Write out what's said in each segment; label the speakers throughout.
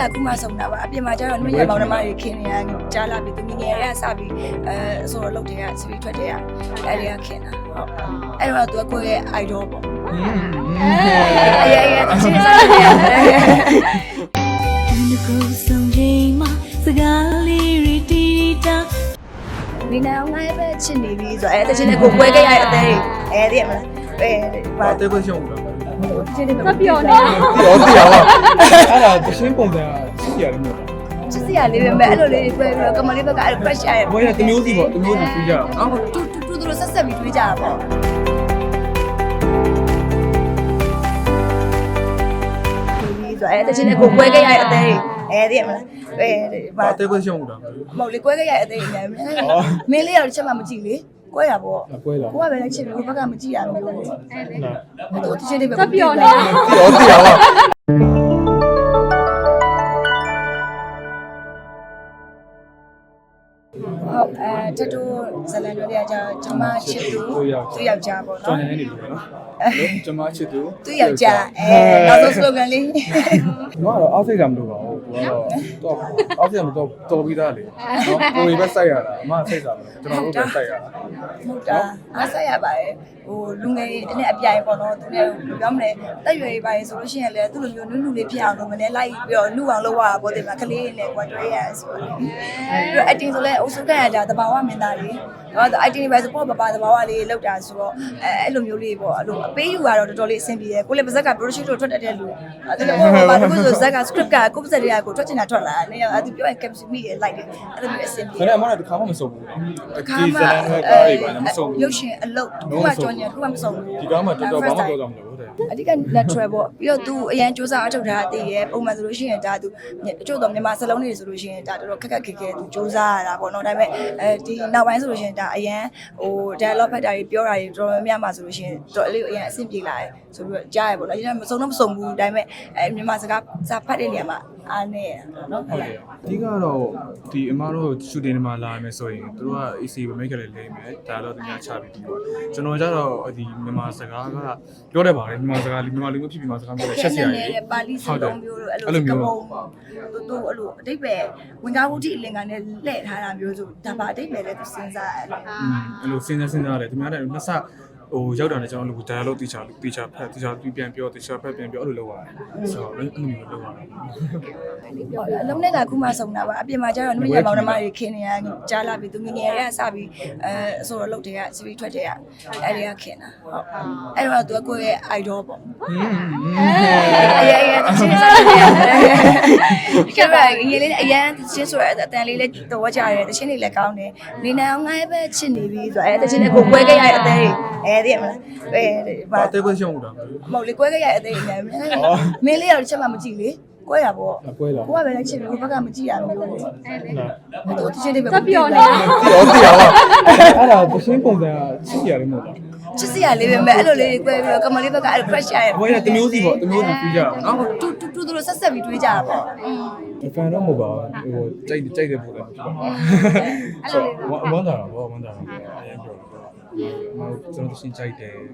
Speaker 1: ကခုမှဆုံးတာပါအပြင်မှာကျတော့နမရမောင်နှမတွေခင်နေရကြားလာပြီးသူငငယ်တွေကစပြီးဆိုတော့လုပ်တွေကစပြီးထွက်တယ်အဲ့ဒီကခင်တာဟုတ်အဲ့တော့သူကကိုယ့်ရဲ့ idol ပေါ့အေးတချင်းစားတယ်ဒီကိုဆုံးချိန်မှာစကားလေးရီတီတာဒီနောက်ငါပဲချစ်နေပြီဆိုအဲ့တချင်းနဲ့ကိုပွဲခဲ့ရတဲ့အသေးအဲ့ဒီမလား
Speaker 2: ဘာတေးခွင့်ရှုံးတာ
Speaker 1: တချင်းနဲ့
Speaker 3: စပြောနေတာ
Speaker 2: ပြောပါအဲ့ဒါတချင်းပုံစံချစ်ရတယ်မဟုတ်လား
Speaker 1: ချစ်စရာလေးပဲအဲ့လိုလေးတွေတွေ့ပြီးတော့ကမလေးဘက်ကအဲ့ crush ရတယ်
Speaker 2: ဘွေးကတမျိုးစီပေါ့တမျိုးစီပြီးကြအောင်နော်
Speaker 1: တူတို့ဆက်ပြီးတွေ့ကြတာပေါ့အဲ့တချင်းနဲ့ကိုပွဲခဲ့ရတဲ့အသေးအဲ့ဒီမလား
Speaker 2: ဘာတေးခွင့်ရှုံးတာ
Speaker 1: မဟုတ်လေကွဲခဲ့ရတဲ့အသေးအများမင်းလေးရောက်တစ်ချက်မှမကြည့်လေကွဲရပေါ့
Speaker 2: ကွဲလား
Speaker 1: ကိုကပဲလည်းချစ်ပြီးကိုဘက်ကမကြည့်ရဘူးလို့အဲ့လေတို့တချင်းတွေပဲ
Speaker 3: စပြောနေတာ
Speaker 2: ပြောပါ
Speaker 1: တတူဇလန်တို့တွေကကျမချစ်သူယောက်ျားပေါ့နော်
Speaker 2: ကျွန်တော်နေနေလို့နော်ကျမချစ်သူ
Speaker 1: ယောက်ျားနောက်ဆုံး slogan လေး
Speaker 2: ကျွန်တော်ကတော့အောက်စိတ်ကမလို့ပါဘူးတော့အောက်စိတ်ကမတော့တော်ပြီးသားလေနော်ကိုယ်ပဲစိုက်ရတာအမစိတ်စားတယ်ကျွန်တော်တို့ပဲစိုက်ရတာ
Speaker 1: ဟုတ်တာအားစိုက်ရပါတယ်ဟိုလူငယ်တွေနဲ့အပြိုင်ပေါ့နော်သူလည်းပြောမလဲတက်ရွယ်ရေးပါတယ်ဆိုလို့ရှိရင်လည်းသူ့လိုမျိုးနုနုလေးဖြစ်အောင်လုပ်မလဲလိုက်ပြီးတော့နှုအောင်လုပ်ရတာပေါ့ဒီမှာကလေးနဲ့ကွာတွေ့ရဆိုတော့ပြီးတော့ acting ဆိုလဲအုပ်စုခံရကြတဘာဝမင်းသားလေးတော့ acting ပဲဆိုပေါ့ပပတဘာဝလေးလောက်တာဆိုတော့အဲ့လိုမျိုးလေးပေါ့အဲ့လိုအပေးယူရတော့တော်တော်လေးအဆင်ပြေတယ်ကိုလည်းပါဇက်က production တို့ထွက်တတ်တဲ့လူအဲ့လိုပေါ့ဘာလို့ဆိုဇက်က script ကကိုပါဇက်တွေကကိုထွက်ချင်တာထွက်လာနေအဲ့သူပြောရင် caption မိရလိုက်တယ်အဲ့လိုမျိုးအဆင်ပြေ
Speaker 2: တယ်အမကတခါမှမစုံဘူးဒီဇလန်နဲ့ကားတွေပါမစုံဘူး
Speaker 1: ရုပ်ရှင်အလုပ်ခုမှကြော်ညာခုမှမစုံဘူး
Speaker 2: ဒီကားမှာတော်တော်ဘာမှပြောကြမလို့
Speaker 1: အဓိက natural ပေါ့ပြီးတော့ तू အရန်စူးစမ်းအထောက်ထားတည်ရဲပုံမှန်ဆိုလို့ရှိရင်ဒါ तू အချို့တော့မြန်မာစလုံးတွေဆိုလို့ရှိရင်ဒါတော်တော်ခက်ခက်ခဲခဲ तू စူးစမ်းရတာပေါ့နော်ဒါပေမဲ့ဒီနောက်ပိုင်းဆိုလို့ရှိရင်ဒါအရန်ဟို dialogue ဖတ်တာတွေပြောတာတွေတော်တော်များများမှာဆိုလို့ရှိရင်တော်အလေးအရန်အဆင်ပြေလာတယ်ဆိုပြီးတော့ကြားရပေါ့နော်ဒီကမစုံတော့မစုံဘူးဒါပေမဲ့မြန်မာစကားစာဖတ်တဲ့နေရာမှာအားနေရနော်ဟုတ်
Speaker 2: ကဲ့အဓိကတော့ဒီအမတို့ shooting တွေမှာလာမယ်ဆိုရင်တို့က AC ပဲ make လေးလိမ့်မယ်ဒါတော့တင်ချပြီးပြီးတော့ကျွန်တော်ကျတော့ဒီမြန်မာစကားကပြောတတ်ပါတယ်မြန်မာစကားမြန်မာလူမျိုးဖြစ်ပြီးမြန်မာစကားပြောတယ်ချက်စရာ
Speaker 1: ကြီးပါဠိစကားမျိုးတို့အဲ့လိုမျိုးသူအဲ့လိုအတိတ်ပဲဝင်ကားဝုဒ္ဓိအလင်္ကာနဲ့လှည့်ထားတာမျိုးဆိုဒါပါအတိတ်ပဲလဲသူစဉ်းစားရတယ်
Speaker 2: အဲ့လိုစဉ်းစားတယ်သူများတဲ့နှစ်ဆဟိုရောက်တာနဲ့ကျွန်တော်တို့ dialogue တီချာဖတ်တီချာပြန်ပြောတီချာဖတ်ပြန်ပြောအဲ့လိုလုပ်ရတယ်ဆိုတော့အဲ့လိုမျိုးလုပ်ရတယ်
Speaker 1: အလုံးနဲ့ကခုမှဆုံးတာပါအပြင်မှာကျတော့နမရမောင်နှမတွေခင်နေရကြားလာပြီးသူငငယ်တွေကစပြီးဆိုတော့လုပ်တွေကစပြီးထွက်တယ်အဲ့ဒီကခင်တာဟုတ်အဲ့တော့သူကကိုယ့်ရဲ့ idol ပေါ့အေးတချင်းစားတယ်ကဲပါရေလေးအရန်တချင်းဆိုရအတန်လေးလည်းတော်ကြရတယ်တချင်းလေးလည်းကောင်းတယ်နေနိုင်ငါပဲချစ်နေပြီဆိုအဲ့တချင်းနဲ့ကိုပွဲခဲ့ရတဲ့အသေးအဲ့ဒီမလား
Speaker 2: ဘာတေးခွင့်ရှုံးတာ
Speaker 1: မဟုတ်လေကွဲခဲ့ရတဲ့အသေးအများမင်းလေးရောက်တစ်ချက်မှမကြည့်လေကွဲရပေါ့
Speaker 2: ကွဲလား
Speaker 1: ကိုကပဲလည်းချစ်ပြီးကိုဘက်ကမကြည့်ရဘူးလို့အဲ့လေတို့တချင်းတွေပဲ
Speaker 3: စပြောနေတာ
Speaker 2: အဲ့ဒါတချင်းပုံစံချစ်ရတယ်မဟုတ်လား
Speaker 1: ချစ်စရာလေးပဲအဲ့လိုလေးတွေကွဲပြီးတော့ကမလေးဘက်ကအဲ့ crush ရတယ်
Speaker 2: ဘွေးကတမျိုးစီပေါ့တမျိုးစီပြီးကြအောင်နော်
Speaker 1: တူတို့ဆက်ပြီးတွေ့ကြတာပေါ့
Speaker 2: ဖန်တော့မဟုတ်ပါဘူးဟိုကြိုက်တဲ့ပုံစံဖြစ်ပါဆိုဝမ်းသာတာပေါ့ဝမ်းသာတာအရင်ပြောကျွန်တော်ရှင်ကြိုက်တယ်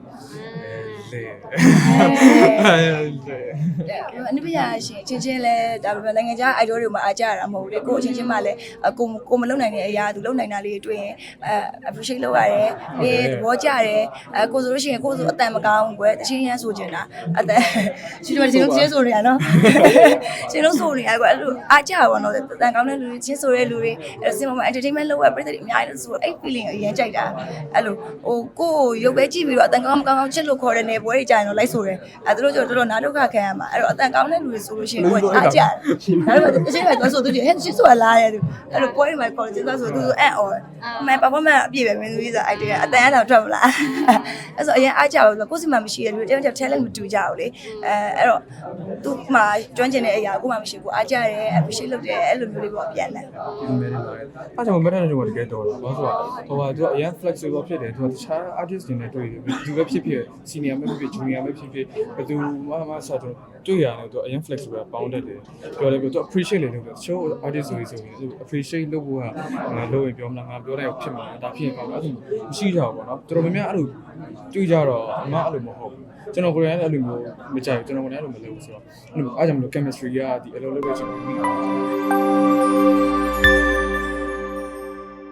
Speaker 1: အနုပညာရှင်ချင်းလဲဒါပေမဲ့နိုင်ငံခြား idol တွေမှာအားကြရတာမဟုတ်လေကိုအချင်းချင်းမှလည်းကိုမလုံနိုင်တဲ့အရာသူလုံနိုင်တာလေးတွေ့ရင်appreciate လုပ်ရတယ်ပြီးသဘောကျတယ်ကိုဆိုလို့ရှိရင်ကိုဆိုအတန်မကောင်းကွယ်တချင်းရမ်းဆိုချင်တာအတန်ရှင်တို့ချင်းဆိုနေရနော်ရှင်တို့ဆိုနေရကွယ်အဲ့လိုအားကြပါတော့အတန်ကောင်းတဲ့လူတွေချင်းဆိုတဲ့လူတွေအဲ့စင်မ entertainment လုပ်ရပြည်သူတွေအများကြီးဆိုအဲ့ feeling အရင်ကြိုက်တာအဲ့လိုဟိုကိုရုပ်ပဲကြည့်ပြီးတော့အတန်ကောင်းမကောင်းချစ်လို့ခေါ်တဲ့နေပွဲတွေကြာရင်တော့လိုက်ဆိုတယ်သူတို့ကျတော့တော်တော်နားဒုက္ခခံရမှာအဲ့တော့အတန်ကောင်းတဲ့လူတွေဆိုလို့ရှိရင်ကိုအားကြတယ်ဒါပေမဲ့အချင်းကသွားဆိုသူကြီးဟဲ့ချစ်ဆိုတာလားတဲ့သူအဲ့လိုပွဲတွေမှာခေါ်တယ်သွားဆိုသူဆိုအဲ့အော်မန် performance အပြည့်ပဲမင်းသမီးဆိုအဲ့တဲ့အတန်အတောင်ထွက်မလားအဲ့ဆိုအရင်အားကြလို့ကိုယ်စီမှာမရှိတဲ့လူတွေတယောက် talent မတူကြဘူးလေအဲ့တော့သူ့မှာကျွမ်းကျင်တဲ့အရာကိုမှမရှိဘူးအားကြတယ် appreciate လုပ်တယ်အဲ့လိုမျိုးလေးပေါ့ပြန်တယ်
Speaker 2: အဲ့ကြောင့်မက်တဲ့ကျွန်တော်တကယ်တော်တာဘာလို့ဆိုတော့သူကအရင် flexible ဖြစ်တယ်သူကတခြား artist တွေနဲ့တွေ့တယ်သူပဲဖြစ်ဖြစ် senior ပဲဖြစ်ဖြစ် junior ပဲဖြစ်ဖြစ်ဘယ်သူမှဆက်တော့တွေ့ရတယ်သူအရင် flexible ပေါင်းတတ်တယ်ပြောတယ်သူ appreciate လေလို့ show artist ဆိုရင်သူ appreciate လုပ်ဖို့ကလုပ်ရင်ပြောမလားငါပြောတယ်ဖြစ်မှာဒါဖြစ်ရင်ကောင်းအဲ့လိုမရှိကြဘူးပေါ့နော်တော်တော်များများအဲ့လိုတွေ့ကြတော့အမအဲ့လိုမဟုတ်ဘူးကျွန်တော်ကိုယ်တိုင်အဲ့လိုမျိုးမကြိုက်ကျွန်တော်ကိုယ်တိုင်အဲ့လိုမလုပ်ဘူးဆိုတော့အဲ့လိုအားကြောင့်မလို့ chemistry ကဒီအလုပ်လုပ်တဲ့အချိန်မှာမိတာ